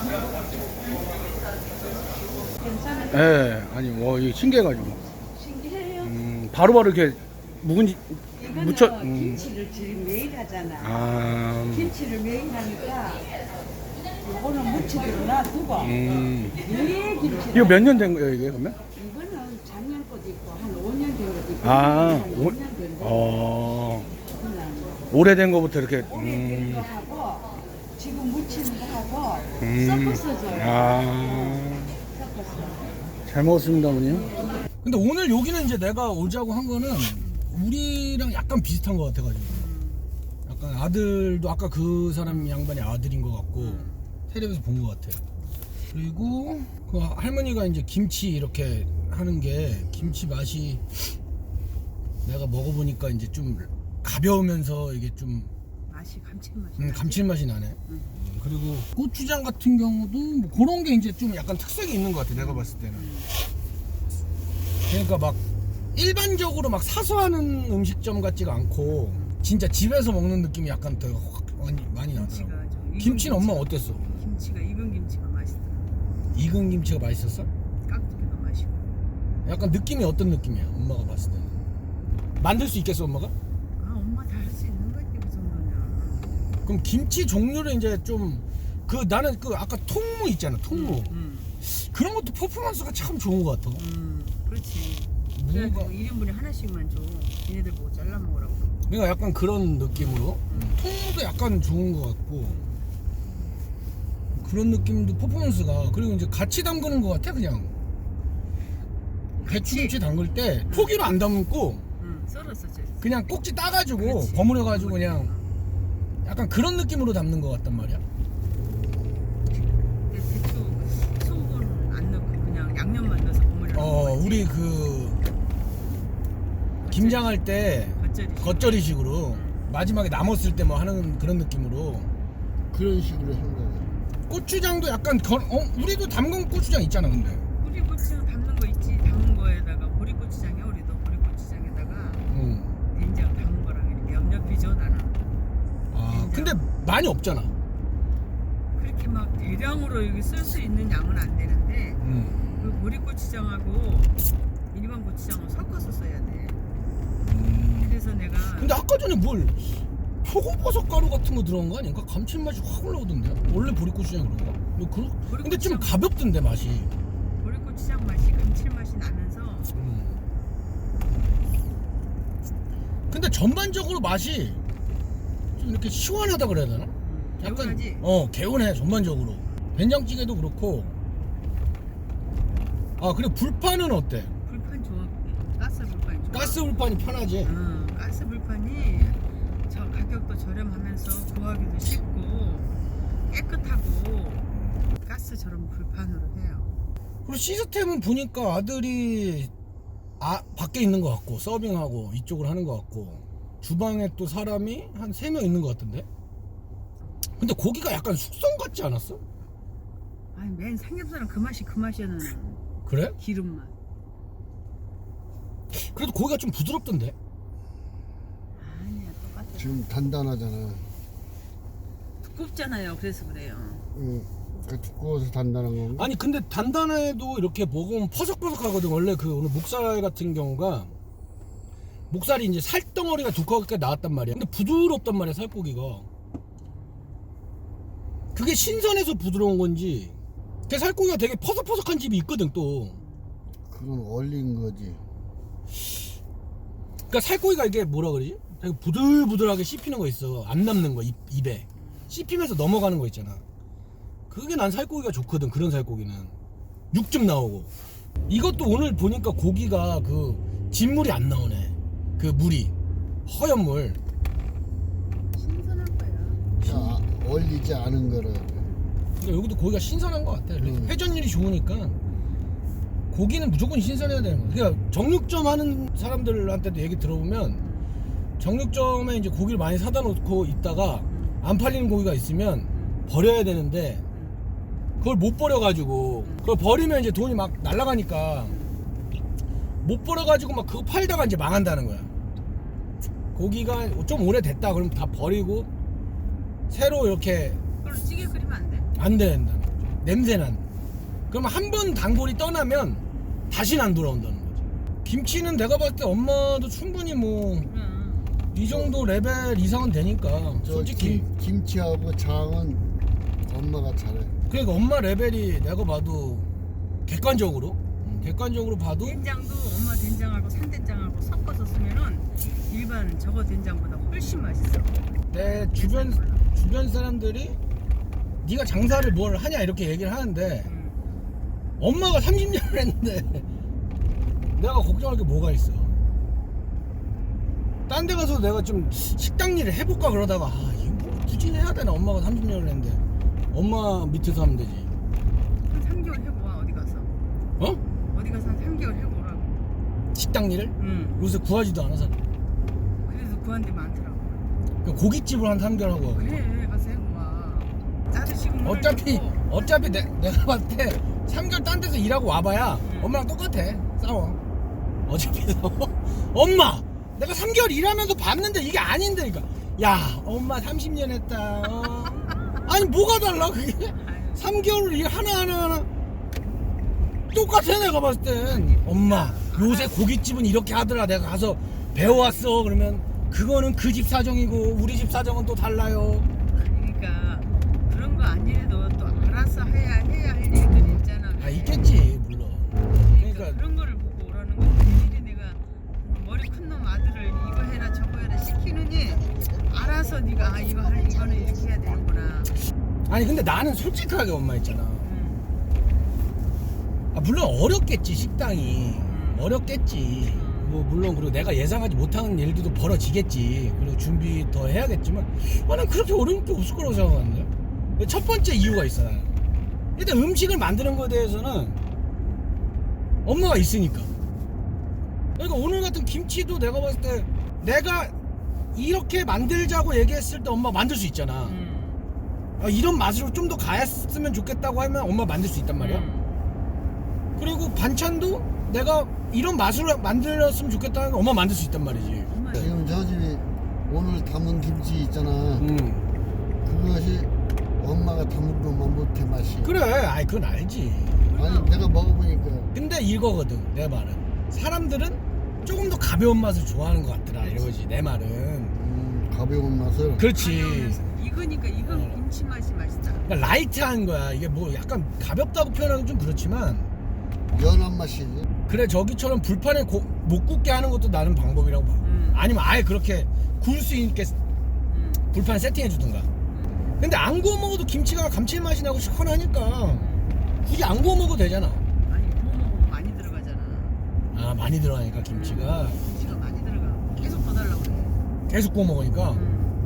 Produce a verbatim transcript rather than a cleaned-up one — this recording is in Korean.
괜찮아요. 예, 아니, 와, 이게 신기해가지고. 신기해요. 음, 바로바로 이렇게 묵은지, 이거는 무쳐, 음. 김치를 지금 매일 하잖아. 아, 김치를 매일 하니까 이거는 무치기로 놔두고 음. 매일 김치. 이거 몇 년 된 거예요, 이게, 그러면? 이거는 작년 것도 있고 한 오 년 된 것도 있고 아, 한 오, 오 년 된 거. 어, 그냥 오래된 거부터 이렇게, 오래된 음, 거 하고 지금 무치는 거 하고 음. 섞어서 줘요. 아, 섞어서. 잘 먹었습니다, 어머님. 근데 오늘 여기는 이제 내가 오자고 한 거는 우리랑 약간 비슷한 것 같아가지고. 약간 아들도 아까 그 사람 양반이 아들인 것 같고, 텔레비에서 본 것 같아. 그리고 그 할머니가 이제 김치 이렇게 하는 게 김치 맛이 내가 먹어보니까 이제 좀 가벼우면서 이게 좀 맛이 감칠맛이 음, 나지? 감칠맛이 나네. 응. 그리고 고추장 같은 경우도 뭐 그런 게 이제 좀 약간 특색이 있는 것 같아, 내가 봤을 때는. 그러니까 막 일반적으로 막 사서 하는 음식점 같지가 않고 진짜 집에서 먹는 느낌이 약간 더 확 많이, 많이 나더라고. 김치가 좀 익은 김치는 엄마 김치가- 어땠어? 김치가 익은 김치가 맛있더라. 익은 김치가 맛있었어? 깍두기도 맛있고. 약간 느낌이 어떤 느낌이야, 엄마가 봤을 때는? 만들 수 있겠어, 엄마가? 아 엄마 다 할 수 있는 거지 그 정도면. 그럼 김치 종류를 이제 좀 그 나는 그 아까 통무 있잖아, 통무. 음, 그런 것도 퍼포먼스가 참 좋은 것 같아. 음, 그렇지. 뭐가- 그래가지고 일 인분에 하나씩만 줘. 얘네들 보고 잘라 먹으라고. 그러니까 약간 그런 느낌으로 음. 통무도 약간 좋은 것 같고 그런 느낌도 퍼포먼스가. 그리고 이제 같이 담그는 것 같아 그냥. 배추김치 담글 때 포기로 안 담고 응, 썰었어, 저. 그냥 꼭지 따가지고 그렇지. 버무려가지고 그냥 약간 그런 느낌으로 담는 것 같단 말이야. 근데 대추 소금은 안 넣고 그냥 양념만 넣어서 버무려. 어 우리 그 김장할 때 겉절이. 겉절이식으로 마지막에 남았을 때 뭐 하는 그런 느낌으로. 그런 식으로 한 거예요. 고추장도 약간 거, 어 우리도 담근 고추장 있잖아 근데. 우리 고추장 담는 거 있지. 담은 거에다가 보리고추장이야. 우리도 보리고추장에다가 응. 된장 담은 거랑 이렇게 옆옆이죠 나는. 아 근데 많이 없잖아. 그렇게 막 대량으로 여기 쓸 수 있는 양은 안 되는데 응. 그 보리고추장하고 일반 고추장을 섞어서 써야 돼. 음. 그래서 내가 근데 아까 전에 뭘 표고버섯 가루 같은 거 들어간 거 아닌가? 감칠맛이 확 올라오던데. 원래 보리고추장이 그런가? 뭐 그, 근데 좀 보리고추장- 가볍던데 맛이. 보리고추장 맛이 감칠맛이 나면서 음. 근데 전반적으로 맛이 좀 이렇게 시원하다 그래야 되나? 음, 약간 개운하지? 어 개운해 전반적으로. 된장찌개도 그렇고. 아 그리고 불판은 어때? 불판 좋아. 가스 불판이 좋아. 가스 불판이 편하지. 응, 가스 불판이 저 가격도 저렴하면서 구하기도 쉽고 깨끗하고 가스처럼 불판으로 해요. 그리고 시스템은 보니까 아들이 아 밖에 있는 것 같고 서빙하고 이쪽을 하는 것 같고 주방에 또 사람이 한 세 명 있는 것 같은데. 근데 고기가 약간 숙성 같지 않았어? 아니 맨 삼겹살은 그 맛이 그 맛이는 그래? 기름 맛. 그래도 고기가 좀 부드럽던데. 아니야 똑같아. 지금 단단하잖아. 두껍잖아요. 그래서 그래요. 응. 그 두꺼워서 단단한 건가? 아니 근데 단단해도 이렇게 먹으면 퍼석퍼석하거든. 원래 그 오늘 목살 같은 경우가 목살이 이제 살덩어리가 두껍게 나왔단 말이야. 근데 부드럽단 말이야 살코기가. 그게 신선해서 부드러운 건지. 그 살코기가 되게 퍼석퍼석한 집이 있거든 또. 그건 얼린 거지. 그러니까 살코기가 이게 뭐라 그러지? 되게 부들부들하게 씹히는 거 있어. 안 남는 거 입, 입에 씹히면서 넘어가는 거 있잖아. 그게 난 살코기가 좋거든. 그런 살코기는 육 좀 나오고. 이것도 오늘 보니까 고기가 그 진물이 안 나오네. 그 물이 허연 물. 신선한 거야. 자, 얼리지 않은 거를. 그러니까 여기도 고기가 신선한 것 같아. 음. 회전율이 좋으니까 고기는 무조건 신선해야 되는 거야. 그러니까 정육점 하는 사람들한테도 얘기 들어보면 정육점에 이제 고기를 많이 사다 놓고 있다가 안 팔리는 고기가 있으면 버려야 되는데 그걸 못 버려가지고 그걸 버리면 이제 돈이 막 날라가니까 못 버려가지고 막 그거 팔다가 이제 망한다는 거야. 고기가 좀 오래됐다 그러면 다 버리고 새로 이렇게 그걸로 찌개 끓이면 안 돼? 안 된다는 거죠. 냄새난. 그러면 한 번 단골이 떠나면 다시는 안 돌아온다는 거지. 김치는 내가 봤을 때 엄마도 충분히 뭐 이 응. 정도 레벨 이상은 되니까 저 솔직히. 김, 김치하고 장은 엄마가 잘해. 그러니까 엄마 레벨이 내가 봐도 객관적으로 음, 객관적으로 봐도 된장도 엄마 된장하고 산된장하고 섞어서 쓰면은 일반 저거 된장보다 훨씬 맛있어. 내 주변 주변 사람들이 네가 장사를 뭘 하냐 이렇게 얘기를 하는데 응. 엄마가 삼십 년을 했는데 내가 걱정할 게 뭐가 있어. 딴 데 가서 내가 좀 식당 일을 해볼까 그러다가 아 이거 뭐 굳이 해야 되나. 엄마가 삼십 년을 했는데 엄마 밑에서 하면 되지. 한 삼 개월 해보아 어디 가서. 어? 어디 가서 한 삼 개월 해보라고. 식당 일을? 응. 요새 구하지도 않아서. 그래서 구한 데 많더라고. 그냥 고깃집을 한 삼 개월 하고 그래 가서 해보아. 자르시고 물 어차피 넣고. 어차피 내, 내가 봤을 때 삼 개월 딴 데서 일하고 와봐야 응. 엄마랑 똑같아. 싸워. 어차피 싸워. 엄마 내가 삼 개월 일하면서 봤는데 이게 아닌데. 그러니까 야 엄마 삼십 년 했다. 어. 아니 뭐가 달라 그게. 아유, 삼 개월 일 하나하나 하나 똑같아. 내가 봤을 땐 엄마 요새 고깃집은 이렇게 하더라. 내가 가서 배워왔어. 그러면 그거는 그 집 사정이고 우리 집 사정은 또 달라요. 그러니까 그런 거 아니래도 또 알아서 해야 해야 할 일들이 있잖아. 아 있겠지 물론. 그러니까, 그러니까 그런 거를 보고 오라는 거지. 일일이 내가 머리 큰 놈 아들을 이거 해라 저거 해라 시키느니 알아서 네가 아 이거 할 이거는 이렇게 해야 되는구나. 아니 근데 나는 솔직하게 엄마 있잖아. 응. 아, 물론 어렵겠지 식당이. 음. 어렵겠지. 뭐 물론 그리고 내가 예상하지 못하는 일들도 벌어지겠지. 그리고 준비 더 해야겠지만 나는 그렇게 어려울 게 없을 거라고 생각하는데. 첫 번째 이유가 있어. 나는 일단 음식을 만드는 거에 대해서는 엄마가 있으니까. 그러니까 오늘 같은 김치도 내가 봤을 때 내가 이렇게 만들자고 얘기했을 때 엄마 만들 수 있잖아. 응. 아, 이런 맛으로 좀 더 가했으면 좋겠다고 하면 엄마 만들 수 있단 말이야. 응. 그리고 반찬도 내가 이런 맛으로 만들었으면 좋겠다는 거 엄마 만들 수 있단 말이지. 엄마 지금 저 집이 오늘 담은 김치 있잖아. 음. 그것이 엄마가 담은 것만 못해 맛이. 그래, 아이 그건 알지. 아니 내가 먹어보니까 근데 이거거든 내 말은. 사람들은 조금 더 가벼운 맛을 좋아하는 것 같더라 이거지 내 말은. 음, 가벼운 맛을. 그렇지. 익으니까 익은 어. 김치 맛이 맛있다. 그러니까 라이트한 거야. 이게 뭐 약간 가볍다고 표현하기 좀 그렇지만 연한 맛이지. 그래 저기처럼 불판에 고, 못 굽게 하는 것도 나는 방법이라고 봐. 음. 아니면 아예 그렇게 구울 수 있게 응. 불판 세팅해 주든가. 근데 안 구워 먹어도 김치가 감칠맛이 나고 시원하니까 굳이 안 구워 먹어도 되잖아. 아니 구워 먹으면 많이 들어가잖아. 아 많이 들어가니까 김치가 김치가 많이 들어가. 계속 더 달라고 그래. 계속 구워 먹으니까. 응.